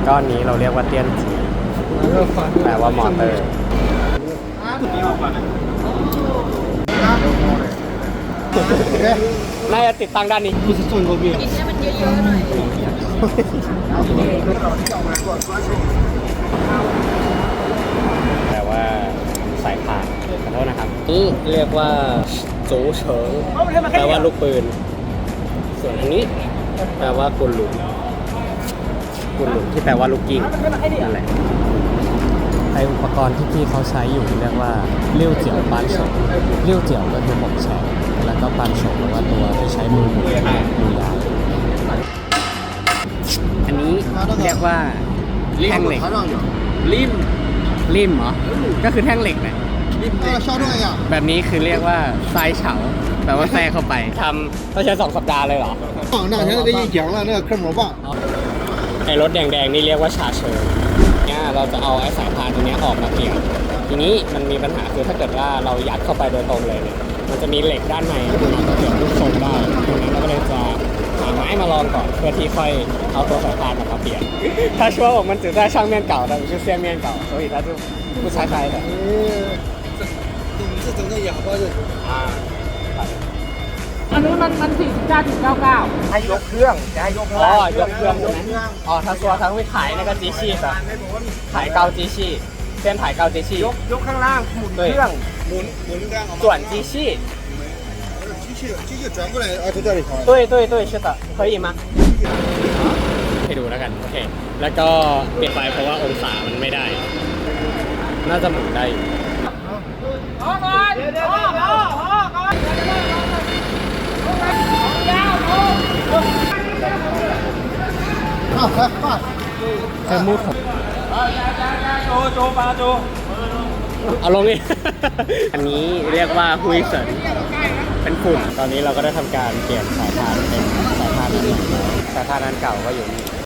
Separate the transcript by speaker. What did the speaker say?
Speaker 1: ก้อนนี้เราเรียกว่าเตี้ยนจีแปลว่ามอเตอร์น่าจะติดตั้งด้านนี้
Speaker 2: 不是中国病。
Speaker 3: กินให้มันเยอะๆหน่อย
Speaker 1: แปลว่าสายพานขอโทษนะครับนี่เรียกว่าโจเฉิงแปลว่าลูกปืน ส่วนอันนี้แปลว่ากุนหลุมที่แปลว่าลูกกิ้งนั่นแหละไออุปกรณ์ที่พี่เขาใช้อยู่เรียกว่าเลี้ยวเจียวปานโฉงเลี้ยวเจียวก็คือหมกแฉกแล้วก็ปานโฉงแปลว่าตัวที่ใช้มือหมุนมือยาวอันนี้เรียกว่าแท่งเหล็กริมเหรอก็คือแท่งเหล็กแหละแบบนี้คือเรียกว่าทรายเฉาแปลว่าแทรกเข้าไปทำต้องใช้2 สัปดาห์เลยเหรอ
Speaker 2: 那现在这一讲了，那个科摩棒。
Speaker 1: ไอ้รถแดงๆนี่เรียกว่าชาเชอร์เนี่ยเราจะเอาไอ้สายพานตัวนี้ออกมาเปลี่ยนทีนี้มันมีปัญหาคือถ้าเกิดว่าเรายัดเข้าไปโดยตรงเลยเนี่ยมันจะมีเหล็กด้านในมันจะเปลี่ยนรูปทรงได้ดังนั้นเราก็เลยจะหาไม้มาลองก่อนเพื่อที่ค่อยเอาตัวสายพานมาเปลี่ยนถ้าชัวร์ผมมัน只在上面搞的不是下面搞所以它就不拆开的
Speaker 2: 这整个哑巴就
Speaker 3: อันนี้มัน49.99
Speaker 2: ให้ยกเครื่องจะให้ยก
Speaker 1: อ๋อยกเครื่องใช่ไหมอ๋อ他说他会抬那个机器的抬高机器先抬高机器
Speaker 2: ยกข้างล่างหมุนเครื่องหมุนเครื่อง
Speaker 1: 转机器
Speaker 2: 机器转过来啊，就这里
Speaker 1: 对对对是的可以吗ให้ดูแล้วกันโอเคแล้วก็เปลี่ยนไฟเพราะว่าองศามันไม่ได้น่าจะหมุนได้อยู่แค่มูดผมเอาลงนี่ อันนี้เรียกว่าฮุยเซินเป็นฝุ่นตอนนี้เราก็ได้ทำการเปลี่ยนสายพานเป็นสายพานอันใหม่สายพานอันเก่าก็อยู่นี่